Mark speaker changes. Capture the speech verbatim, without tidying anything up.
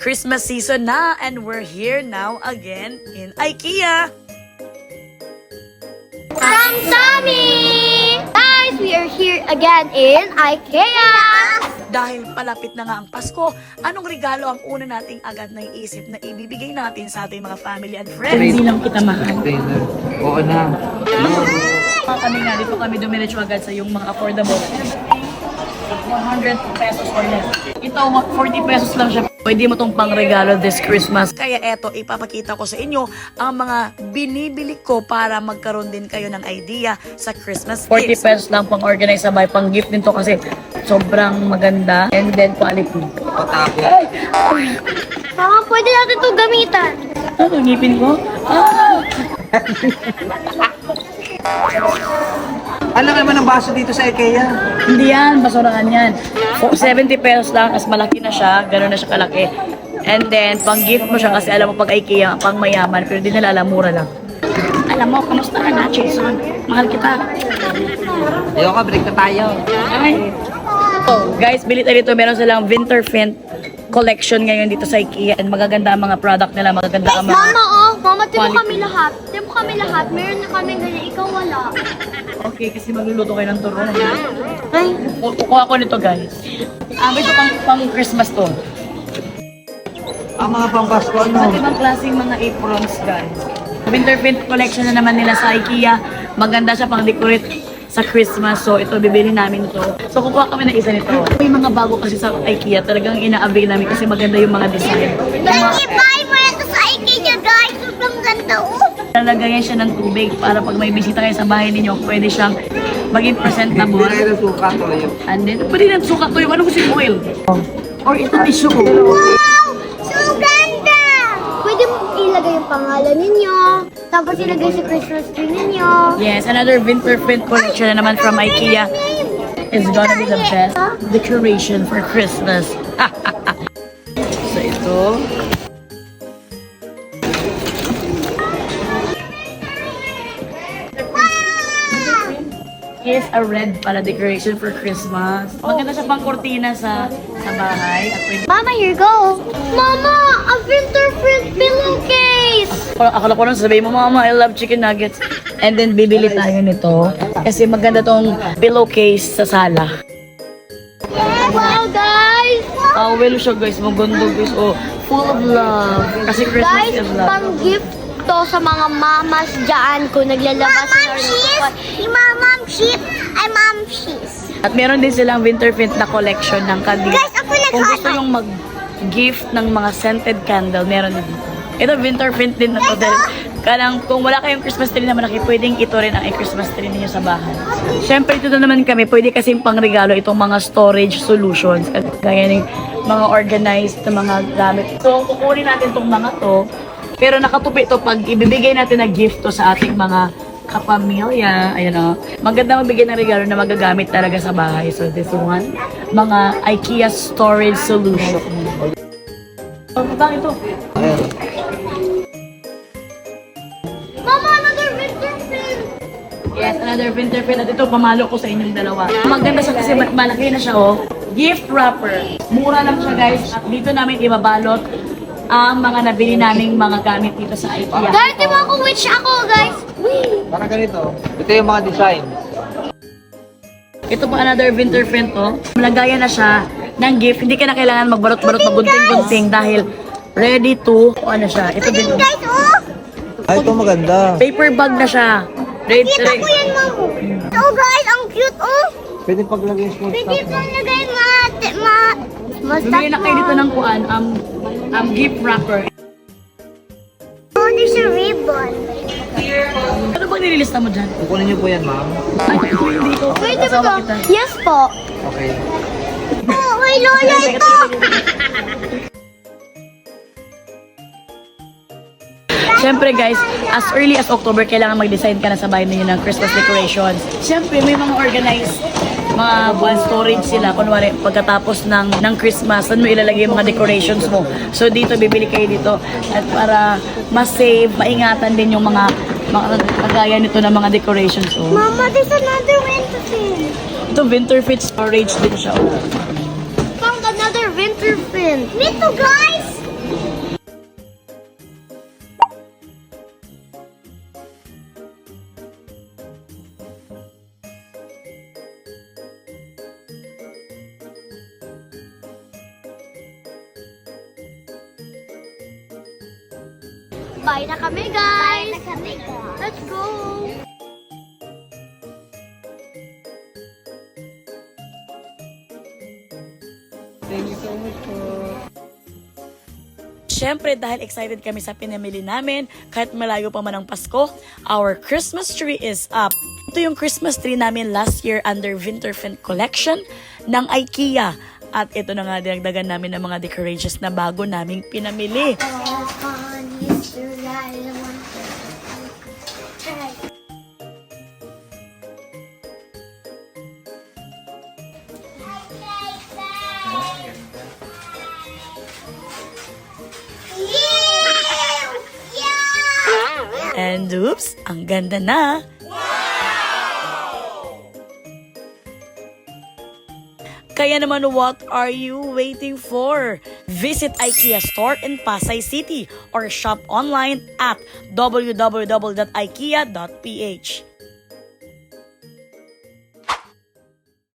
Speaker 1: Christmas season na and we're here now again in IKEA.
Speaker 2: Samsami! Guys, we are here again in IKEA!
Speaker 1: Dahil palapit na nga ang Pasko, anong regalo ang una nating agad na iisip na ibibigay natin sa ating mga family and friends? Hindi lang kita mahal.
Speaker 3: Oo na.
Speaker 1: Kami nga, dito kami dumiretso agad sa yung mga affordable. one hundred pesos or less. Ito, forty pesos lang siya. Pwede mo tong pangregalo this Christmas. Kaya eto, ipapakita ko sa inyo ang mga binibili ko para magkaroon din kayo ng idea sa Christmas forty pesos lang pang organize sabay, pang gift din to kasi sobrang maganda and then quality.
Speaker 3: Patapos.
Speaker 2: Mama, pwede natin ito gamitan.
Speaker 1: Ano, ngipin ko? Ah!
Speaker 3: Ano naman ang baso dito sa IKEA?
Speaker 1: Hindi yan, basurahan yan. For seventy pesos lang, as malaki na siya, gano'n na siya kalaki. And then, pang gift mo siya kasi alam mo pag IKEA, pang mayaman, pero di nila alam, mura lang. Alam mo, kamusta ka na, Jason? Mahal kita.
Speaker 3: Ayoko, break na tayo.
Speaker 1: Ay. So, guys, bili tayo dito. Meron silang Winterfint collection ngayon dito sa IKEA. And magaganda ang mga product nila, magaganda ang mga...
Speaker 2: Mama, oh! Mama, timo
Speaker 1: Quality.
Speaker 2: kami lahat. Timo kami lahat. Meron na kami ganyan. Ikaw wala.
Speaker 1: Okay, kasi magluluto kayo ng turon.
Speaker 2: Ay.
Speaker 1: Kukuha ko nito, guys. Ah, ito pang, pang Christmas to.
Speaker 3: Ang mga pang-Pasko, ano?
Speaker 1: Iba't ibang klaseng mga aprons, guys. Winterfint collection na naman nila sa IKEA. Maganda siya pang decorate sa Christmas. So, ito, bibili namin ito. So, kukuha kami ng isa nito. May mga bago kasi sa IKEA. Talagang ina-avail namin kasi maganda yung mga design. Yung mga,
Speaker 2: I-buy mo na ito sa IKEA, guys. Sobrang ganda, oh.
Speaker 1: lalagayan siya ng tubig para pag may bisita kayo sa bahay ninyo, pwede siyang maging presentable.
Speaker 3: Hindi na suka to yun.
Speaker 1: And then, pwede na suka to yung ano gusto yung oil. Or ito tissue.
Speaker 2: Wow! So ganda! Pwede mo ilagay yung pangalan ninyo. Tapos ilagay sa Christmas tree ninyo.
Speaker 1: Yes, another Winterfint collection na naman from IKEA. It's gonna be the best decoration for Christmas. So ito. Is a red para decoration for Christmas. Maganda siya pang kortina sa sa bahay. At pwede...
Speaker 2: Mama, here go. Mama, a Winterfint pillowcase!
Speaker 1: Akala ko lang sasabihin mo, Mama, I love chicken nuggets. And then, bibili tayo nito. Kasi maganda tong pillowcase sa sala.
Speaker 2: Wow, guys!
Speaker 1: Ah, well siya, guys. Maganda, guys. Oh, full of love. Kasi Christmas
Speaker 2: Guys,
Speaker 1: is love.
Speaker 2: pang gift to sa mga mamas dyan kung naglalabas
Speaker 4: Mom, she's, mom, mom, sheep, I'm mom, she's.
Speaker 1: At meron din silang Winterfint na collection ng candy.
Speaker 4: Guys, ako
Speaker 1: Kung gusto
Speaker 4: naghanap.
Speaker 1: yung mag-gift ng mga scented candle, meron din dito. Ito, Winterfint din na to. Dahil kanang, kung wala kayong Christmas tree na malaki, pwedeng ito rin ang Christmas tree ninyo sa bahay. Siyempre, ito na naman kami. Pwede kasing pangregalo itong mga storage solutions. Gaya ng mga organized na mga gamit. So, kukunin natin itong mga to. Pero nakatupi ito pag ibibigay natin na gift to sa ating mga kapamilya. Ayan o. Maganda magbigay ng regalo na magagamit talaga sa bahay. So, this one, mga IKEA storage solution. Oh, bakit ito?
Speaker 2: Mama, another Winterfint!
Speaker 1: Yes, another Winterfint. At ito, pamalo ko sa inyong dalawa. Maganda siya kasi ma- malaki na siya, oh. Gift wrapper. Mura lang siya, guys. At dito namin ibabalot ang mga nabili naming mga gamit dito sa IKEA.
Speaker 2: Guys, di ba ako witch ako, guys? Wee!
Speaker 3: Parang ganito. Ito yung mga design.
Speaker 1: Ito po another Winterfint, oh. Malagayan na siya ng gift. Hindi ka na kailangan magbarot-barot, magunting-gunting dahil ready to, ano siya. Ito din, oh.
Speaker 4: Guys, oh,
Speaker 3: Ay, ito maganda.
Speaker 1: Paper bag na siya. Ready,
Speaker 4: kita ko yan, mom. Oh, guys, ang cute, oh.
Speaker 3: Pwede paglagay yung small
Speaker 4: Pwede
Speaker 3: stuff.
Speaker 4: pa lagay ma, ma,
Speaker 1: Bumili na kayo dito ng kuan, um, um, gift wrapper.
Speaker 4: Oh, there's a ribbon.
Speaker 1: Ano bang nililista mo dyan?
Speaker 3: Kukunin niyo po yan, ma'am.
Speaker 1: Ay, ito hindi ko.
Speaker 2: Pwede ba
Speaker 1: Kasama
Speaker 2: to?
Speaker 1: kita.
Speaker 2: Yes po.
Speaker 3: Okay.
Speaker 4: Oh, kay Lola ito.
Speaker 1: Siyempre guys, as early as October, kailangan mag-design ka na sa bahay ninyo ng Christmas decorations. Siyempre, may mga organized mga buwan storage sila. Kunwari, pagkatapos ng, ng Christmas, saan mo ilalagay yung mga decorations mo. So dito, bibili kayo dito. At para mas-save, maingatan din yung mga, mga kagaya nito ng mga decorations. Oh.
Speaker 4: Mama, there's another Winterfint.
Speaker 1: Ito, Winterfint storage din siya. Oh.
Speaker 2: Found another Winterfint.
Speaker 4: Me too, guys.
Speaker 2: Bye na kami, guys!
Speaker 4: Bye na kami, guys.
Speaker 2: Let's go!
Speaker 3: Thank you so much po.
Speaker 1: Siyempre, dahil excited kami sa pinamili namin, kahit malayo pa man ang Pasko, our Christmas tree is up. Ito yung Christmas tree namin last year under Winterfint Collection ng IKEA. At ito na nga dinagdagan namin ng mga decorations na bago naming pinamili. And oops, ang ganda na! Kaya naman, what are you waiting for? Visit IKEA store in Pasay City or shop online at w w w dot ikea dot p h.